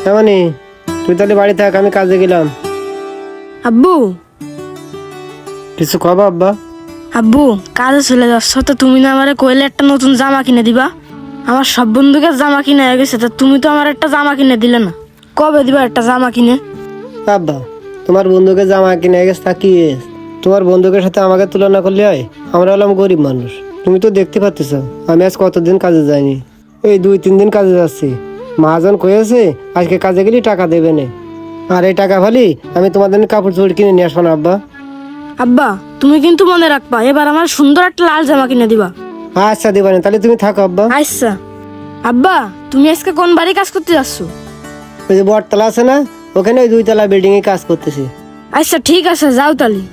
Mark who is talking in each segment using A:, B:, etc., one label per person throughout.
A: এমনই, তুই তাহলে বাড়ি থাক, আমি কাজে গেলাম।
B: আব্বু
A: কিছু খবর আব্বা?
B: আব্বু কাজে চলে যাচ্ছ তো তুমি না আমারে কইলে একটা নতুন জামা কিনে দিবা। আমার সব বন্ধুকে জামা কিনে হয়ে গেছে, তা তুমি তো আমার একটা জামা কিনে দিলে না। কবে দিবা একটা জামা কিনে?
A: আব্বা, তোমার বন্ধুকে জামা কিনে গেছে তা কি হয়েছে? তোমার বন্ধুকের সাথে আমাকে তুলনা করলে হয়? আমরা হলাম গরিব মানুষ, তুমি তো দেখতে পাচ্ছ আমি আজ কতদিন কাজে যাইনি, এই 2-3 দিন কাজে যাচ্ছি। মহাজন কয়েছে আজকে কাজে গেলে টাকা দেবে না, আর এই টাকা ফালি আমি তোমাদের কাপড় চোপড় কিনে নিয়ে আসবো না আব্বা।
B: আব্বা তুমি কিন্তু মনে রাখবা, এবার আমার সুন্দর একটা লাল জামা কিনে দিবা।
A: আচ্ছা দিবানি, তাহলে তুমি থাকো আব্বা।
B: আচ্ছা। আব্বা তুমি আজকে কোন বাড়ি কাজ করতে যাচ্ছ?
A: ওই যে বটতলা আছে না, ওখানে ওই 2 তলা বিল্ডিং এ কাজ করতেছি।
B: আচ্ছা ঠিক আছে, যাও তালি।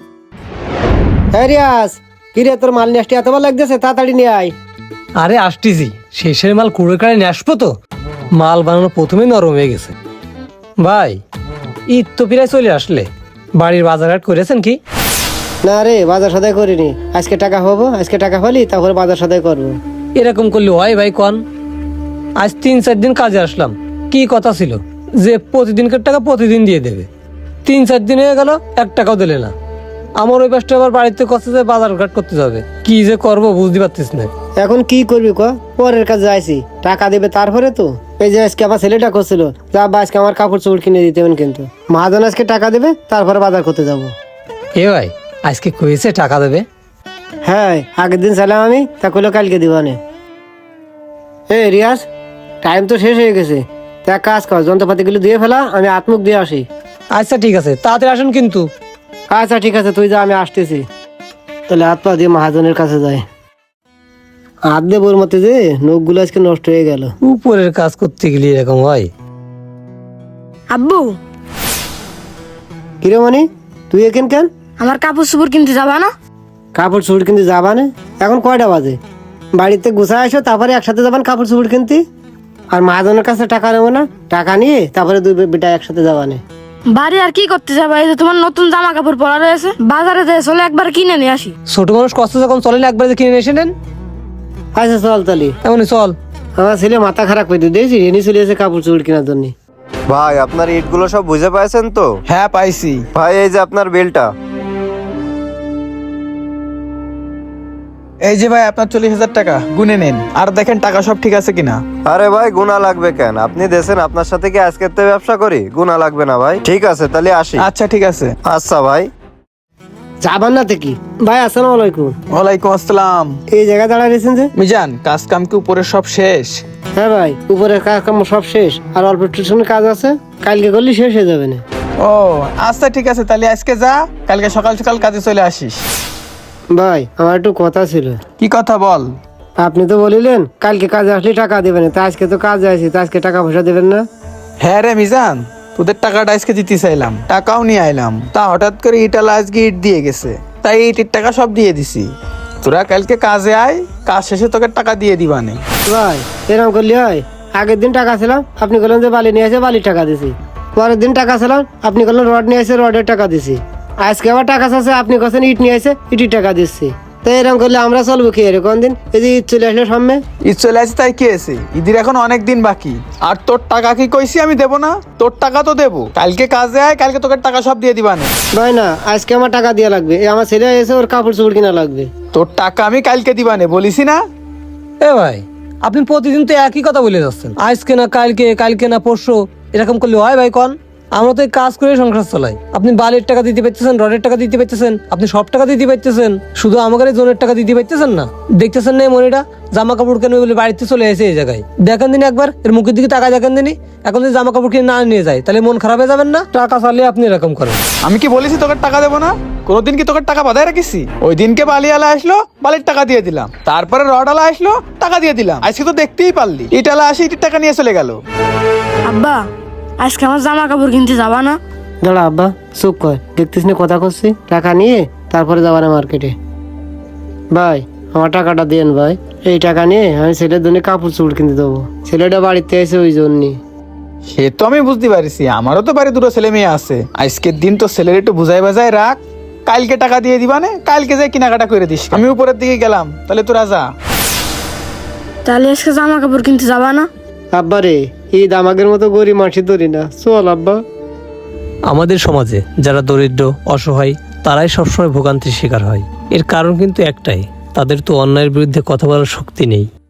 A: হ্যাঁ রিয়াজ, কি রে তোর মাল নিয়ে আসতে এত ভালো লাগতেছে, তাড়াতাড়ি নিয়ে আয়।
C: আরে আসতেছি, শেষের মাল কুড়ে কাড়ে নিয়ে আসবো তো। মাল বানানো প্রথমেই নরম হয়ে গেছে। ভাই ঈদ তো প্রায় চলে আসলে, বাড়ির বাজার হাট করেছেন কি?
A: না রে, বাজার সদাই করিনি, আজকে টাকা হবো, আজকে টাকা হলি তারপরে বাজার সদাই করবো।
C: এরকম করলে হয় ভাই কন? আজ 3-4 দিন কাজে আসলাম, কি কথা ছিল যে প্রতিদিনকার টাকা প্রতিদিন দিয়ে দেবে? 3-4 দিন হয়ে গেল, 1 টাকাও দিলে না। আমার ওই পাশটা আবার বাড়িতে কষ্ট যে বাজার ঘাট করতে যাবে, কি যে করবো বুঝতে পারতিস না।
A: এখন কি করবি ক? পরের কাজে আইসি, টাকা দেবে তারপরে তো। এই যে আজকে আমার ছেলেটা করছিল যা আব্বা আজকে আমার কাপড় চোপড় কিনে দিতে হবেন, কিন্তু মহাজন আজকে টাকা দেবে তারপরে বাজার করতে যাবো।
C: এ ভাই আজকে কয়েছে টাকা দেবে?
A: হ্যাঁ, আগের দিন চাইলাম আমি, তা কইলো কালকে দিবানে। এ রিয়াজ, টাইম তো শেষ হয়ে গেছে, তা এক কাজ কর, যন্ত্রপাতিগুলো দিয়ে ফেলা, আমি হাত-মুখ দিয়ে আসি।
C: আচ্ছা ঠিক আছে, তাড়াতাড়ি আসেন কিন্তু।
A: আচ্ছা ঠিক আছে, তুই যা, আমি আসতেছি। তাহলে হাত পা দিয়ে মহাজনের কাছে যাই। হাত দিয়ে বোর মতে যে নখগুলো আজকে নষ্ট হয়ে গেল।
C: উপরের কাজ করতে গেলে এরকম হয়।
B: আব্বু
A: কিরে মনি, তুই এখান কেন?
B: আমার কাপড় চোপড় কিনতে যাবা না?
A: কাপড় চোপড় কিনতে যাবা না? এখন কয়টা বাজে? বাড়িতে গুছা আসো, তারপরে একসাথে যাবান কাপড় চোপড় কিনতে। আর মহাজনের কাছে টাকা নেবো না, টাকা নিয়ে তারপরে 2 বেটা একসাথে যাবানে।
B: বাড়ি আর কি করতে যাবা? এই যে তোমার নতুন জামা কাপড় পরা রয়েছে, বাজারে যেয়ে চলে একবার কিনে নিয়ে আসি।
C: ছোট মানুষ কষ্ট যখন চলে না, একবার যে কিনে এসে নেন।
A: আচ্ছা চল তালি,
C: এমনই চল।
A: আমার ছেলে মাথা খারাপ করে দিয়েছি, রেনি চলে এসে কাপড় চোপড় কেনার জন্য।
D: ভাই আপনার ইটগুলো সব বুঝে পাইছেন তো?
E: হ্যাঁ পাইছি।
D: ভাই এই যে আপনার বিলটা।
E: এই যে ভাই আপনার 40,000 টাকা, গুনে নেন আর দেখেন টাকা সব ঠিক আছে কিনা।
D: আরে ভাই গুণা লাগবে কেন? আপনি দেশেন আপনার সাথে কি আজকের থেকে ব্যবসা করি? গুণা লাগবে না ভাই। ঠিক আছে তাহলে আসি।
E: আচ্ছা ঠিক আছে।
D: আচ্ছা ভাই।
A: যাবান না থেকে ভাই? আসসালামু আলাইকুম।
E: ওয়ালাইকুম আসসালাম।
A: এই জায়গায় দাঁড়ায় রয়েছেন যে?
E: মিজান, কাজ কাম কি উপরে সব শেষ?
A: হ্যাঁ ভাই, উপরের কাজ কাম সব শেষ, আর অল্প টিউশনের কাজ আছে, কালকে করলে শেষ হয়ে যাবে না।
E: ও আচ্ছা ঠিক আছে, তাহলে আজকে যা, কালকে সকাল সকাল কাজে চলে আসিস।
A: ভাই আমার একটু কথা ছিল।
E: কি কথা বল।
A: আপনি তো বলিলেন কালকে কাজে আসলে টাকা দেবেন, তা আজকে তো কাজে আছি, তা আজকে টাকা পয়সা দেবেন না?
E: হ্যাঁ রে মিজান, তোদের টাকাটা আজকে দিতে চাইলাম, টাকাও নিয়ে আইলাম, তা হঠাৎ করে ইটালা আজকে ইট দিয়ে গেছে, তাই ইটের টাকা সব দিয়ে দিছি। তোরা কালকে কাজে আয়, কাজ শেষে তোকে টাকা দিয়ে দিবানে।
A: ভাই এরকম করলে হয়? আগের দিন টাকা ছিলাম, আপনি বললেন যে বালি নিয়ে আসে, বালির টাকা দিছি। পরের দিন টাকা ছিলাম, আপনি বললেন রড নিয়ে আসে, রডের টাকা দিছি। আজকে আবার টাকা চাচ্ছে, আপনি কাছেন ইট নিয়ে আসে, ইটির টাকা দিচ্ছি। তো এরকম করলে আমরা চলবো কি এর কোন দিন? এই যে ঈদ চলে আসলে সামনে।
E: ঈদ চলে আসে তাই কি আছে, ঈদের এখন অনেক দিন বাকি। আর তোর টাকা কি কইছি আমি দেবো না? তোর টাকা তো দেবো, কালকে কাজে আয়, কালকে তোকে টাকা সব দিয়ে দিবানে।
A: ভাই না, আজকে আমার টাকা দেওয়া লাগবে, এই আমার ছেলে এসে ওর কাপড় চোপড় কিনা লাগবে।
E: তোর টাকা আমি কালকে দিবানে বলিসি না?
C: এ ভাই আপনি প্রতিদিন তো একই কথা বলে যাচ্ছেন, আজকে না কালকে, কালকে না পরশু, এরকম করলে হয় ভাই কন? আমরা তো এই কাজ করে সংসার চালাই। আপনি বালির টাকা দিতে পারতেছেন, রডের টাকা দিতে পারতেছেন, আপনি সব টাকা দিতে পারতেছেন, শুধু আমাদের জোনের টাকা দিতে পারতেছেন না। দেখতেছেন না মনিটা জামা কাপড় কেন বলে বাড়িতে চলে এসে এই জায়গায় দেখেন দিন একবার, এর মুখের দিকে টাকা দেখেন দিনই। এখন যদি জামা কাপড় কিনে না নিয়ে যায় তাহলে মন খারাপ হয়ে যাবেন না? টাকা চালিয়ে আপনি এরকম করেন।
E: আমি কি বলেছি তোকে টাকা দেবো না? কোনোদিন কি তোকে টাকা বাধায় রাখিছি? ওই দিনকে বালিওয়ালা আসলো, বালির টাকা দিয়ে দিলাম, তারপরে রডওয়ালা আসলো, টাকা দিয়ে দিলাম। আজকে তো দেখতেই পারলি ইটালা আসে ইটির টাকা নিয়ে চলে গেল।
B: আব্বা আজকে আমার জামা কাপড় কিনতে যাবা না?
A: দাঁড়া আব্বা, চুপ কর, দেখতিস না কথা করছি, টাকা নিয়ে তারপরে যাবার মার্কেটে। ভাই আমার টাকাটা দেন ভাই, এই টাকা নিয়ে আমি ছেলের জন্য কাপড় চোপড় কিনতে দেবো, ছেলেটা বাড়িতে এসে ওই জন্যই।
E: সে তো আমি বুঝতে পারছি, আমারও তো বাড়ি 2 ছেলে মেয়ে আছে। আজকের দিন তো ছেলের একটু বুঝাই বাজায় রাখ, কালকে টাকা দিয়ে দিবানে, কালকে যাই কেনাকাটা করে দিস। আমি উপরের দিকে গেলাম, তাহলে তোরা যা।
B: তাহলে আজকে জামা কাপড় কিনতে যাবা না?
A: আব্বা রে, ঈদ আমাদের মতো গরিব মাসি ধরি না, চল আব্বা।
C: আমাদের সমাজে যারা দরিদ্র অসহায় তারাই সবসময় ভোগান্তির শিকার হয়। এর কারণ কিন্তু একটাই, তাদের তো অন্যায়ের বিরুদ্ধে কথা বলার শক্তি নেই।